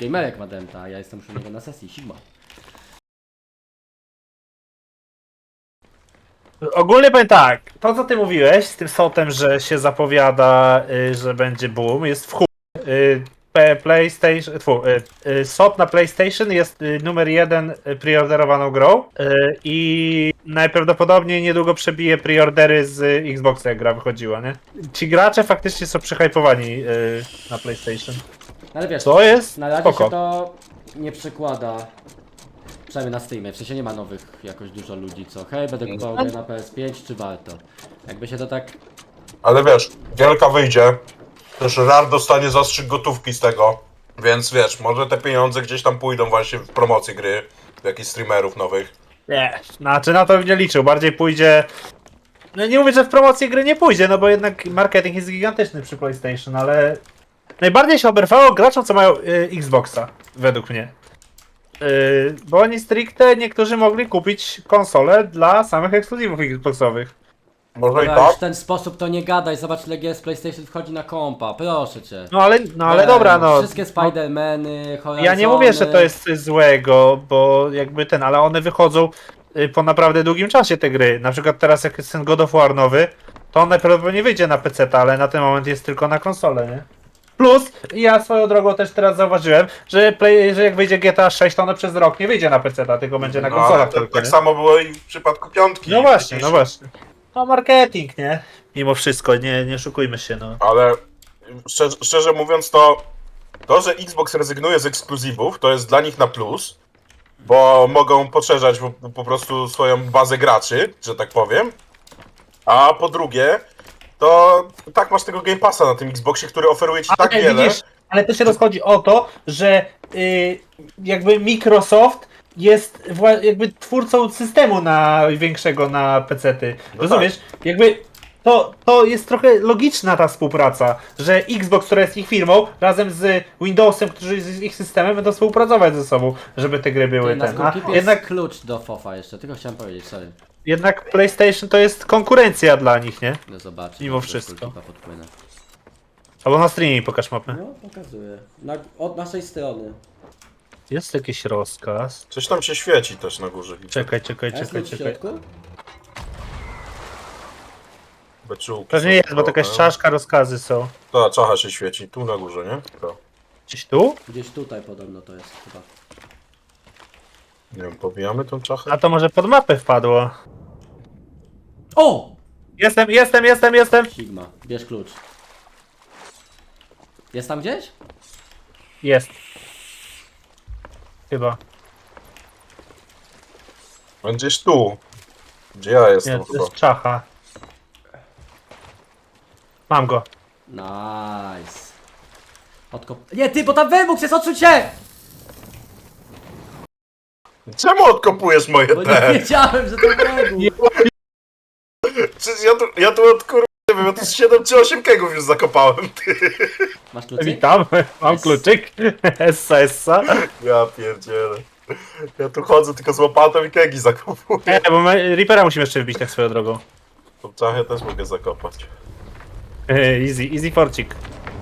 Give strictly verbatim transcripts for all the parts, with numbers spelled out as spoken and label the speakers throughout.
Speaker 1: Gamerek ma Denta, a ja jestem już u niego na sesji, Sigma.
Speaker 2: Ogólnie powiem tak, to co ty mówiłeś z tym sotem, że się zapowiada, y, że będzie boom, jest w chuj. Y, P- PlayStation, tfu, y, y, sot na PlayStation jest y, numer jeden y, preorderowaną grą y, i najprawdopodobniej niedługo przebije preordery z Xboxa, jak gra wychodziła, nie? Ci gracze faktycznie są przyhypowani y, na PlayStation.
Speaker 1: Ale wiesz,
Speaker 2: Co jest?
Speaker 1: na razie
Speaker 2: Spoko.
Speaker 1: się to nie przekłada. Przynajmniej na Steamie, w sensie nie ma nowych jakoś dużo ludzi, co hej, będę kupował grę na P S pięć, czy warto? Jakby się to tak...
Speaker 3: Ale wiesz, Wielka wyjdzie, też Rare dostanie zastrzyk gotówki z tego, więc wiesz, może te pieniądze gdzieś tam pójdą właśnie w promocję gry, w jakichś streamerów nowych.
Speaker 2: Nie, znaczy na to bym nie liczył, bardziej pójdzie... No nie mówię, że w promocję gry nie pójdzie, no bo jednak marketing jest gigantyczny przy PlayStation, ale... Najbardziej się oberwało graczom, co mają y, Xboxa, według mnie. Y, bo oni stricte niektórzy mogli kupić konsolę dla samych ekskluzywów Xboxowych.
Speaker 3: Może i
Speaker 1: Dobra, już
Speaker 3: tak?
Speaker 1: w ten sposób to nie gadaj, zobacz ile gier z PlayStation wchodzi na kompa, proszę cię.
Speaker 2: No ale, no ale
Speaker 1: Ej,
Speaker 2: dobra, no.
Speaker 1: Wszystkie Spider-Many, Horizony...
Speaker 2: Ja nie mówię, że to jest coś złego, bo jakby ten, ale one wychodzą y, po naprawdę długim czasie te gry. Na przykład teraz jak jest ten God of War nowy, to on najprawdopodobniej wyjdzie na P C, ale na ten moment jest tylko na konsolę, nie? Plus, ja swoją drogą też teraz zauważyłem, że, play, że jak wyjdzie G T A sześć, to ono przez rok nie wyjdzie na P C, tylko będzie na
Speaker 3: No, ale
Speaker 2: konsolach
Speaker 3: tak,
Speaker 2: tylko,
Speaker 3: tak
Speaker 2: nie?
Speaker 3: samo było i w przypadku piątki.
Speaker 2: No właśnie,
Speaker 3: Jakieś-
Speaker 2: no właśnie. No marketing, nie? Mimo wszystko, nie, nie szukujmy się, no.
Speaker 3: Ale szczerze, szczerze mówiąc to, to, że Xbox rezygnuje z ekskluzywów, to jest dla nich na plus, bo mogą poszerzać po, po prostu swoją bazę graczy, że tak powiem. A po drugie, to tak masz tego Game Passa na tym Xboxie, który oferuje ci tak
Speaker 2: Ale
Speaker 3: wiele.
Speaker 2: widzisz, ale to się rozchodzi o to, że y, jakby Microsoft jest wła- jakby twórcą systemu największego na pecety.
Speaker 3: No
Speaker 2: Rozumiesz? Jakby to, to jest trochę logiczna ta współpraca, że Xbox, która jest ich firmą, razem z Windowsem, który jest ich systemem, będą współpracować ze sobą, żeby te gry były
Speaker 1: Ty, na
Speaker 2: ten. A
Speaker 1: Skullkeepie jest
Speaker 2: jednak,
Speaker 1: klucz do fofa jeszcze, tylko chciałem powiedzieć, sorry.
Speaker 2: jednak PlayStation to jest konkurencja dla nich, nie?
Speaker 1: No zobaczę.
Speaker 2: Mimo
Speaker 1: do
Speaker 2: wszystko.
Speaker 1: Skullkeepa podpłynę.
Speaker 2: Albo na streamie pokaż mapę.
Speaker 1: No, pokazuję. Na, od naszej strony.
Speaker 2: Jest jakiś rozkaz.
Speaker 3: Coś tam się świeci też na górze. widzę.
Speaker 2: Czekaj, czekaj,
Speaker 1: A jest
Speaker 2: czekaj,
Speaker 1: klucz w
Speaker 2: czekaj.
Speaker 1: środku?
Speaker 3: Beczułki
Speaker 2: Pewnie
Speaker 3: są
Speaker 2: jest, bo to jakaś
Speaker 3: trochę.
Speaker 2: czaszka, rozkazy są.
Speaker 3: Ta czacha się świeci, tu na górze, nie? To.
Speaker 2: Gdzieś tu?
Speaker 1: Gdzieś tutaj podobno to jest chyba.
Speaker 3: Nie wiem, pobijamy tą czachę?
Speaker 2: A to może pod mapę wpadło.
Speaker 1: O!
Speaker 2: Jestem, jestem, jestem, jestem!
Speaker 1: Sigma, bierz klucz. Jest tam gdzieś?
Speaker 2: Jest. Chyba.
Speaker 3: Będziesz tu. Gdzie ja
Speaker 2: Nie,
Speaker 3: jestem
Speaker 2: to
Speaker 3: chyba?
Speaker 2: jest czacha. Mam go.
Speaker 1: Nice. Odkop... Nie, ty, bo tam wybuch jest, odsuń się!
Speaker 3: Czemu odkopujesz moje
Speaker 1: Bo nie
Speaker 3: te?
Speaker 1: wiedziałem, że to wybuch.
Speaker 3: Przecież ja tu, ja tu od kur... nie wiem, ja tu z siedem czy osiem kegów już zakopałem, ty.
Speaker 1: Masz kluczyk?
Speaker 2: Witam, mam kluczyk. Essa, essa.
Speaker 3: Ja pierdzielę. Ja tu chodzę tylko z łopatą i kegi zakopuję.
Speaker 2: E, bo my Reapera musimy jeszcze wbić tak swoją drogą.
Speaker 3: Tą czachę też mogę zakopać.
Speaker 2: E, easy, easy forcik.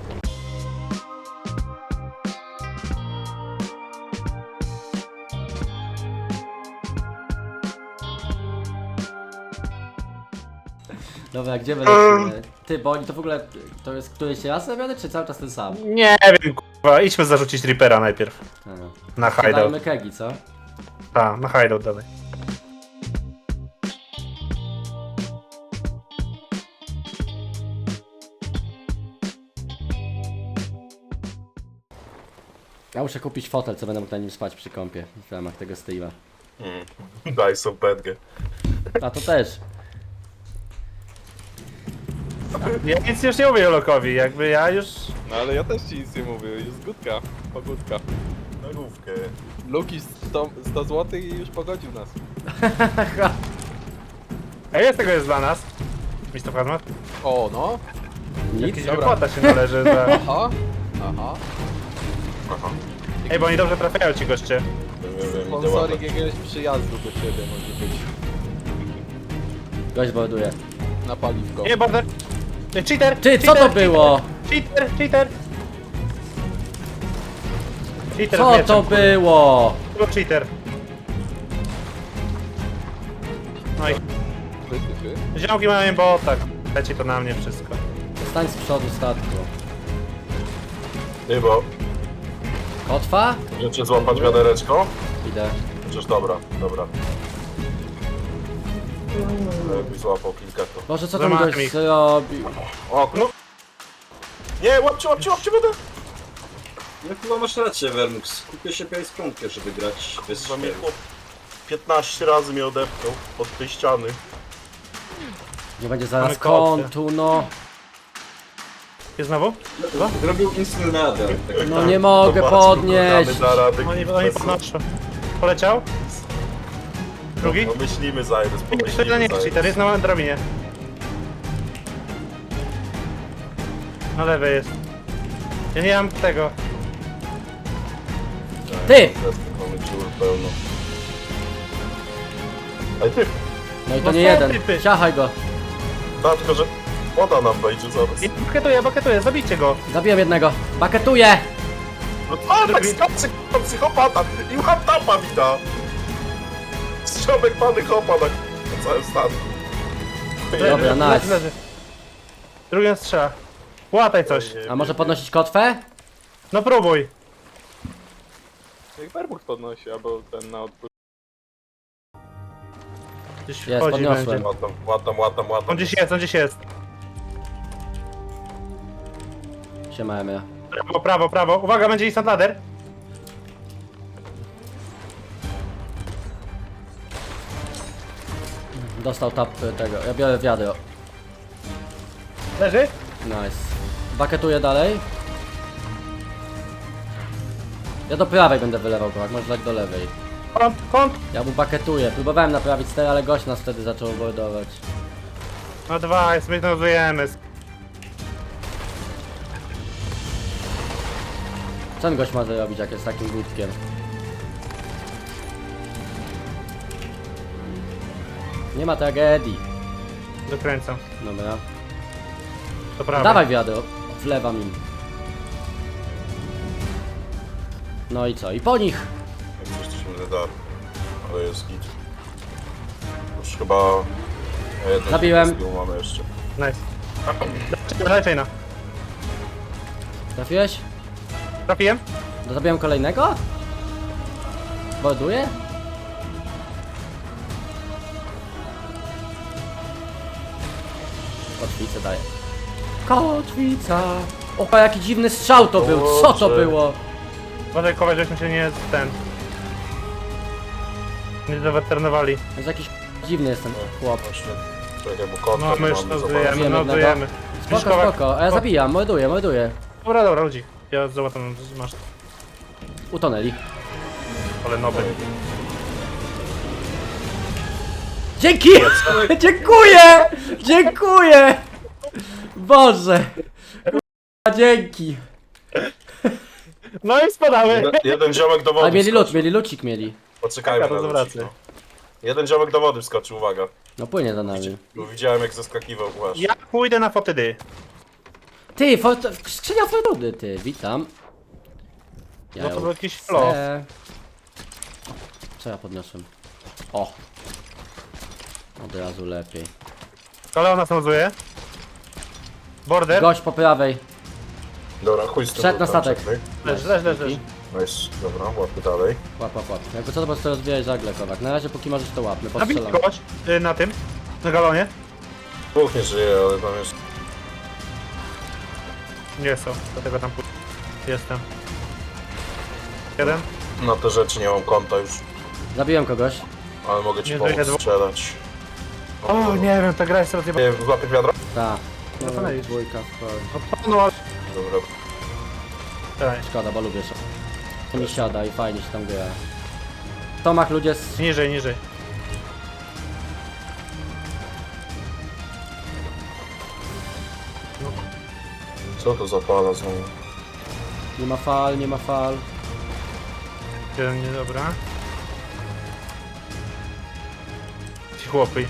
Speaker 1: Dobra, gdzie my lecimy? Ty, bo oni to w ogóle... To jest któryś raz robiony, czy cały czas ten sam?
Speaker 2: Nie wiem, kurwa. Idźmy zarzucić Reapera najpierw.
Speaker 1: A, no.
Speaker 2: Na hideout.
Speaker 1: Dajmy kegi, co?
Speaker 2: Tak, na hideout dalej.
Speaker 1: Ja muszę kupić fotel, co będę mógł na nim spać przy kąpie w ramach tego streama.
Speaker 3: Mm. Daj sobie bedgę.
Speaker 1: A to też.
Speaker 2: Ja nic już nie mówię Lokowi, jakby ja już...
Speaker 4: No ale ja też ci nic nie mówię, jest gudka, pogódka.
Speaker 3: Na główkę.
Speaker 4: Luki sto, sto złotych i już pogodził nas.
Speaker 2: Ej, jest tego jest dla nas. mister Hazmat?
Speaker 4: O no,
Speaker 1: Nic?
Speaker 2: Jakiś
Speaker 4: dobra.
Speaker 2: wypłata się należy za...
Speaker 4: aha, aha.
Speaker 3: Aha.
Speaker 2: Ej, bo oni dobrze trafiają ci goście.
Speaker 3: Wiem, wiem, wiem, idę
Speaker 4: Sponsoring
Speaker 3: łapać.
Speaker 4: jakiegoś przyjazdu do ciebie może być.
Speaker 1: Gość borduje.
Speaker 4: Na paliwko.
Speaker 2: Nie, border! Ej, Cheater!
Speaker 1: Ty, co to
Speaker 2: cheater,
Speaker 1: było?
Speaker 2: Cheater, cheater! Cheater z
Speaker 1: Co
Speaker 2: mieczem,
Speaker 1: to
Speaker 2: kurwa.
Speaker 1: było?
Speaker 2: To był cheater. No i
Speaker 4: Ty, ty, ty.
Speaker 2: ziomki mają bota. Leci to na mnie wszystko.
Speaker 1: Stań z przodu statku.
Speaker 3: Ty, bo
Speaker 1: Kotwa?
Speaker 3: możecie złapać wiadereczko?
Speaker 1: Idę.
Speaker 3: Chociaż dobra, dobra. Jakbyś złapał kilka to.
Speaker 1: Boże, co tam
Speaker 2: Zamachnij
Speaker 1: gość
Speaker 2: ich.
Speaker 1: zrobił?
Speaker 3: O, no. Nie, łapcie, łapcie, łapcie, będę!
Speaker 5: No chyba masz rację, Vermux. Kupię się pięć żeby grać bez
Speaker 3: Za mnie
Speaker 5: świerów.
Speaker 3: chłop piętnaście razy mnie odepchnął od tej ściany.
Speaker 1: Nie będzie zaraz
Speaker 2: Mamy kotwę.
Speaker 1: kątu, no.
Speaker 2: Jest znowu?
Speaker 5: Zrobił instant radar. Tak.
Speaker 1: No nie mogę
Speaker 3: Zobaczmy,
Speaker 1: podnieść.
Speaker 3: programy da rady.
Speaker 2: Oni, oni podnoszą. Poleciał? Drugi?
Speaker 3: No myślimy, Zajrys,
Speaker 2: Jeszcze
Speaker 3: pomyślimy,
Speaker 2: jeden nie
Speaker 3: Zajrys.
Speaker 2: cheater, jest na małym drabinie. Na lewej jest. Ja nie mam tego.
Speaker 1: Ty!
Speaker 3: Mamy dziur pełno. Ej ty,
Speaker 1: No i to
Speaker 2: No
Speaker 1: nie
Speaker 2: są
Speaker 1: jeden.
Speaker 2: typy.
Speaker 1: Ciachaj go.
Speaker 3: da, tylko że woda nam wejdzie zaraz.
Speaker 2: I Baketuję, baketuję, zabijcie go.
Speaker 1: Zabiłem jednego. Baketuję!
Speaker 3: No a, tak skacze k***a, psychopata i one tapa mi da. Strzomek pany hopa na, na całym statku.
Speaker 1: Dobra,
Speaker 2: Leży,
Speaker 1: nice.
Speaker 2: leży, leży. Drugi on strzela. Łataj coś.
Speaker 1: A może podnosić kotwę?
Speaker 2: No próbuj.
Speaker 4: Jak Vermux podnosi, albo ten na odpływ.
Speaker 2: Gdzieś
Speaker 1: Jest,
Speaker 2: wchodzi
Speaker 1: podniosłem.
Speaker 2: będzie.
Speaker 3: Łatam, łatam, łatam, łatam.
Speaker 2: On gdzieś jest, on gdzieś jest.
Speaker 1: Siema, Emil.
Speaker 2: Prawo, prawo, prawo. Uwaga, będzie instant ladder.
Speaker 1: Dostał tap y, tego. Ja biorę wiadro.
Speaker 2: Leży?
Speaker 1: Nice. Baketuję dalej. Ja do prawej będę wylewał go, jak może tak do lewej.
Speaker 2: Kąt, kąt.
Speaker 1: Ja mu baketuję. Próbowałem naprawić ster, ale gość nas wtedy zaczął bordować.
Speaker 2: No dwa, jest, my nazujemy.
Speaker 1: Co ten gość ma zrobić, jak jest takim głupkiem? Nie ma tragedii.
Speaker 2: Dokręcam.
Speaker 1: Dobra.
Speaker 2: To prawo.
Speaker 1: Dawaj wiadro. Wlewam im. No i co? I po nich!
Speaker 3: Jak coś to się nie da, ale jest git. Już chyba... jeden
Speaker 1: Zabiłem.
Speaker 3: z tyłu mamy jeszcze.
Speaker 2: Nice. Daj chaina.
Speaker 1: Trafiłeś?
Speaker 2: Trafiłem?
Speaker 1: To zabiłem kolejnego? Borduję? Kotwicę daję. Kotwica! O, jaki dziwny strzał to był! Co to
Speaker 3: Boże.
Speaker 1: było?
Speaker 2: Uważaj, kować, żeśmy się nie ten... Nie zaweternowali.
Speaker 1: To jest jakiś dziwny jest ten chłop.
Speaker 3: Właśnie. Czekaj, bo konta
Speaker 2: No
Speaker 3: nie
Speaker 2: my już
Speaker 3: mamy,
Speaker 2: nazujemy,
Speaker 3: zobaczmy.
Speaker 1: Zabijemy
Speaker 2: nazujemy.
Speaker 1: Spoko, spoko. A ja zabijam, morduję, morduję.
Speaker 2: Dobra, dobra, ludzi. Ja zobaczę, masz.
Speaker 1: Utonęli.
Speaker 2: Ale nowy.
Speaker 1: Dzięki! Dziękuję! Dziękuję! Boże! Kurwa, dzięki!
Speaker 2: No i spadały!
Speaker 3: Jeden, jeden ziomek do wody
Speaker 1: Ale mieli lód,
Speaker 3: wskoczył.
Speaker 1: mieli lucik mieli.
Speaker 3: Poczekajmy
Speaker 2: Taka
Speaker 3: na
Speaker 2: to
Speaker 3: ludzi,
Speaker 2: zwraca.
Speaker 3: no. Jeden ziomek do wody wskoczył, uwaga.
Speaker 1: No płynie za nami.
Speaker 3: Bo widziałem jak zaskakiwał właśnie.
Speaker 2: Ja pójdę na fotydy.
Speaker 1: Ty, fort- skrzynia fortuny, ty, witam. Ja
Speaker 2: No to
Speaker 1: ją
Speaker 2: był jakiś flow.
Speaker 1: chcę. Co ja podniosłem? O! Od razu lepiej.
Speaker 2: Ale ona nazuje. Border.
Speaker 1: Gość po prawej.
Speaker 3: Dobra, chuj z tym.
Speaker 1: Wszedł na
Speaker 3: tam,
Speaker 1: statek.
Speaker 3: czekaj.
Speaker 2: Leż, leż, leż, leż.
Speaker 3: Nice, dobra, łapy dalej.
Speaker 1: Łap, łap, łap. Jakby co to po prostu rozbijać żagle, Kowak. Na razie póki możesz to łapmy,
Speaker 2: Nabij
Speaker 1: postrzelam.
Speaker 2: kogoś y, na tym. Na galonie.
Speaker 3: Dwóch nie żyje, ale tam jest...
Speaker 2: Nie są, dlatego tam pójdę. Jestem. Jeden.
Speaker 3: Na te rzeczy nie mam konta już,
Speaker 1: Zabiłem kogoś.
Speaker 3: ale mogę ci
Speaker 2: Nie
Speaker 3: pomóc
Speaker 2: żyje dwóch.
Speaker 3: strzelać.
Speaker 2: O, nie wiem, ta gra jest rozjebana.
Speaker 3: Nie, złapie wiadro?
Speaker 1: Ta.
Speaker 2: No to
Speaker 1: No,
Speaker 2: lecisz.
Speaker 1: dwójka w pole.
Speaker 2: No, ale...
Speaker 3: Dobra.
Speaker 2: Daj.
Speaker 1: Szkoda, bo lubię się. Mi siada i fajnie się tam gra. W tomach ludzie z...
Speaker 2: Niżej, niżej.
Speaker 3: Co to za pala znowu?
Speaker 1: Nie ma fal, nie ma fal.
Speaker 2: Jeden, nie, dobra. Ci chłopy.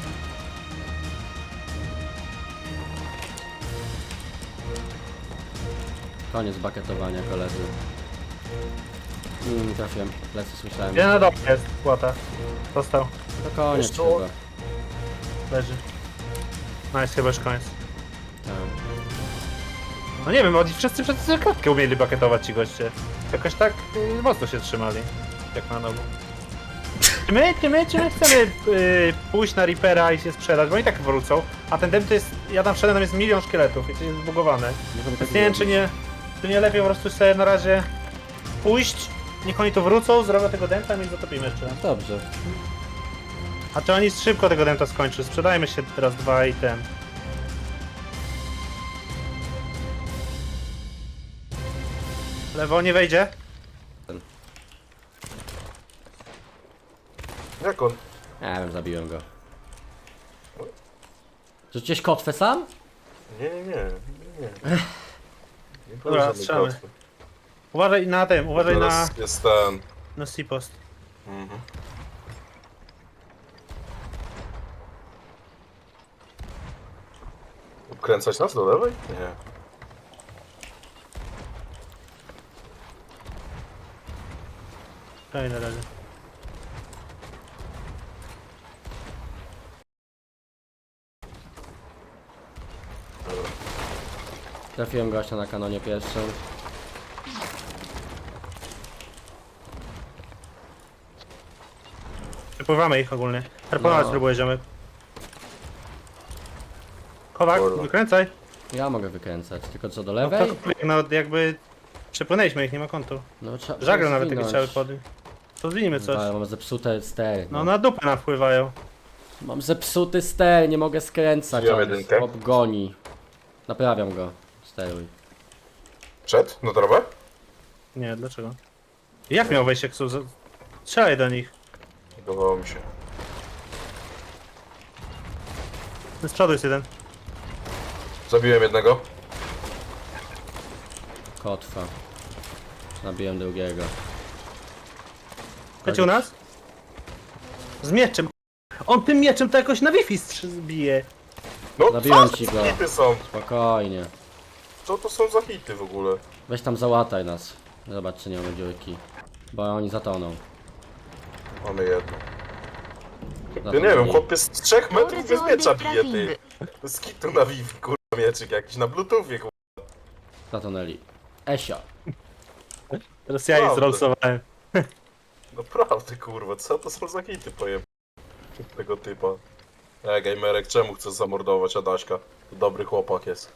Speaker 1: Koniec baketowania, koledzy. Mm, nie trafiłem. Lecę, słyszałem.
Speaker 2: Jeden na dole jest, płota. Dostał,
Speaker 1: To koniec
Speaker 3: Jeszcze?
Speaker 1: chyba.
Speaker 2: leży. Nice, chyba już koniec.
Speaker 1: Tak.
Speaker 2: No nie wiem, oni wszyscy przez klatkę umieli bucketować ci goście. Jakoś tak y, mocno się trzymali. Jak na nowo. Czy my, czy my, czy my chcemy y, pójść na Reapera i się sprzedać, bo oni tak wrócą, a ten dem to jest, ja tam wszedłem, tam jest milion szkieletów i to jest zbugowane.
Speaker 1: Możemy tak
Speaker 2: Więc nie wiem, czy nie, czy nie lepiej po prostu sobie na razie pójść, niech oni tu wrócą, zrobią tego denta i my ich zatopimy jeszcze.
Speaker 1: Dobrze.
Speaker 2: A czy oni szybko tego denta skończy? Sprzedajmy się teraz dwa i ten. Lewo nie wejdzie?
Speaker 3: Jak on?
Speaker 1: Nie wiem, zabiłem go. Rzuciłeś kotwę sam?
Speaker 3: Nie, nie, nie. nie, nie. Nie było
Speaker 2: Dobra,
Speaker 3: żadnej
Speaker 2: strzelamy.
Speaker 3: kotwy.
Speaker 2: Uważaj na tym, uważaj na,
Speaker 3: Teraz jest ten...
Speaker 2: na C-post.
Speaker 3: Mhm. Obkręcać nas do lewej? Nie.
Speaker 2: Daj na razie.
Speaker 1: Trafiłem gościa na kanonie pierwszym.
Speaker 2: Przepływamy ich ogólnie. Harponować
Speaker 1: No.
Speaker 2: próbuję ziomek. Kowak,
Speaker 3: Kurwa.
Speaker 2: wykręcaj.
Speaker 1: Ja mogę wykręcać, tylko co do
Speaker 2: No,
Speaker 1: lewej?
Speaker 2: to, no jakby przepłynęliśmy ich, nie ma kątu.
Speaker 1: No trzeba.
Speaker 2: Żagle nawet takie
Speaker 1: zwinąć.
Speaker 2: chciały podnieść. To zwinimy coś.
Speaker 1: Ale mam zepsute stery.
Speaker 2: No na dupę napływają.
Speaker 1: Mam zepsuty ster, nie mogę skręcać.
Speaker 3: Wziąłem
Speaker 1: on
Speaker 3: jedynkę.
Speaker 1: chłop goni. Naprawiam go. Steruj.
Speaker 3: Przed? Na trawę?
Speaker 2: Nie, dlaczego? Jak miał wejść jak są... za- Strzelaj do nich.
Speaker 3: Wydawało mi się.
Speaker 2: Z przodu jest jeden.
Speaker 3: Zabiłem jednego.
Speaker 1: Kotwa. Nabiłem drugiego.
Speaker 2: Leci u nas? Z mieczem. On tym mieczem to jakoś na Wi-Fi strz- bije.
Speaker 3: No
Speaker 1: Zabiłem
Speaker 3: co
Speaker 1: ci
Speaker 3: to
Speaker 1: go.
Speaker 3: za hity są?
Speaker 1: Spokojnie.
Speaker 3: Co to są za hity w ogóle?
Speaker 1: Weź tam załataj nas. Zobacz czy nie mamy dziurki. Bo oni zatoną.
Speaker 3: Mamy jedno. Ja
Speaker 1: Zatonęli.
Speaker 3: nie wiem, chłopie z trzech metrów bez miecza bije, ty. Z kitu na Wi-Fi, kurwa, mieczyk jakiś na Bluetoothie, kurwa.
Speaker 1: Zatonęli. Esio.
Speaker 2: Teraz ja ich
Speaker 3: Prawda.
Speaker 2: zrolsowałem.
Speaker 3: Naprawdę, kurwa, co to są za hity, pojem... tego typa. E, gamerek, czemu chcesz zamordować Adaśka? To dobry chłopak jest.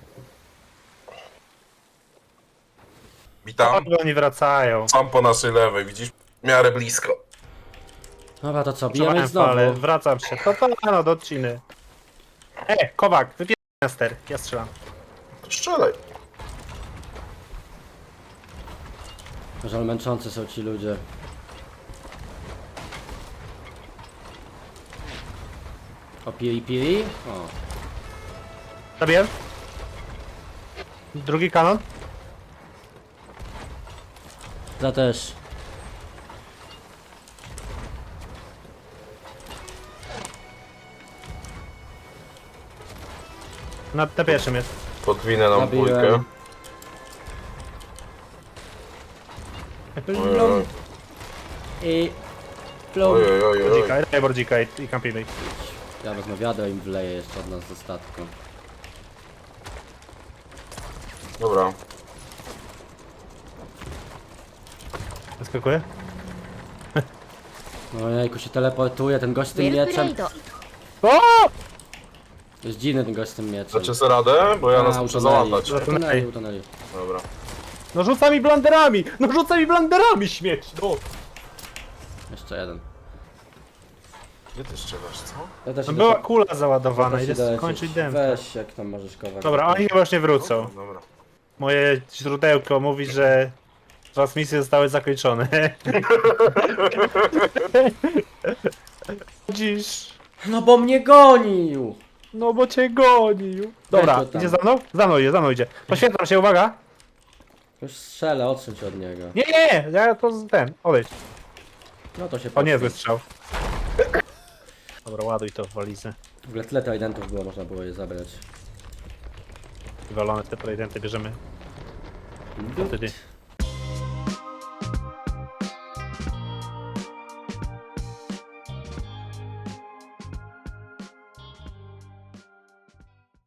Speaker 3: Witam.
Speaker 2: O, oni wracają.
Speaker 3: Sam po naszej lewej, widzisz? W miarę blisko.
Speaker 1: Dobra, to co? Bijemy
Speaker 2: Trzymałem
Speaker 1: ich znowu.
Speaker 2: falę, wracam się. To to no, do odciny. E, Kowak, wypieraj na ster. Ja strzelam.
Speaker 3: To strzelaj.
Speaker 1: Żal męczący są ci ludzie. O piri piri? O.
Speaker 2: Zabiłem. Drugi kanon.
Speaker 1: Za też.
Speaker 2: Na, na pierwszym jest.
Speaker 3: Podwinę nam
Speaker 1: Zabiłem.
Speaker 3: dwójkę. Oj, oj, oj.
Speaker 1: I... Plum.
Speaker 3: Oj, oj, oj, oj.
Speaker 2: Bordzika, daj bordzika i, i kampimy.
Speaker 1: Ja wezmę wiadro i im wleję jeszcze od nas ze statku.
Speaker 3: Dobra.
Speaker 2: Zaskakuje?
Speaker 1: No jejku się teleportuje, ten gość z tym
Speaker 6: ウェルプレ
Speaker 1: mieczem.
Speaker 6: イド
Speaker 2: O!
Speaker 1: Jest dziwny ten gość z tym mieczem.
Speaker 3: Dacie sobie radę? Bo ja
Speaker 1: A,
Speaker 3: nas muszę
Speaker 1: utonęli.
Speaker 3: załatać.
Speaker 1: Utonęli, utonęli.
Speaker 3: Dobra.
Speaker 2: No rzuca mi blanderami! No rzuca mi blanderami śmieć! No!
Speaker 1: Jeszcze jeden.
Speaker 3: Gdzie ty strzelasz, co?
Speaker 1: Ja też
Speaker 2: No
Speaker 1: idę
Speaker 2: była
Speaker 1: po-
Speaker 2: kula załadowana,
Speaker 1: też
Speaker 2: idę
Speaker 1: idę lecieć.
Speaker 2: skończyć dem.
Speaker 1: Weź jak tam możesz kować.
Speaker 2: Dobra, oni chyba już nie wrócą.
Speaker 3: Dobra, dobra.
Speaker 2: Moje źródełko mówi, że transmisje zostały zakończone. Dziś.
Speaker 1: No bo mnie gonił!
Speaker 2: No bo cię gonił. Dobra,
Speaker 1: Weź go tam.
Speaker 2: idzie za mną? Za mną idzie, za mną idzie. Poświęcam się, uwaga!
Speaker 1: Już strzelę, odsuń się od niego.
Speaker 2: Nie, nie, nie, ja to z- ten, odejdź.
Speaker 1: No to się
Speaker 2: O, niezły
Speaker 1: podnieś.
Speaker 2: strzał. Dobra, ładuj to w walizę.
Speaker 1: W ogóle tyle tridentów było, można było je zabrać.
Speaker 2: Wywalone te prezydenty bierzemy.
Speaker 1: Dut.
Speaker 2: Wtedy.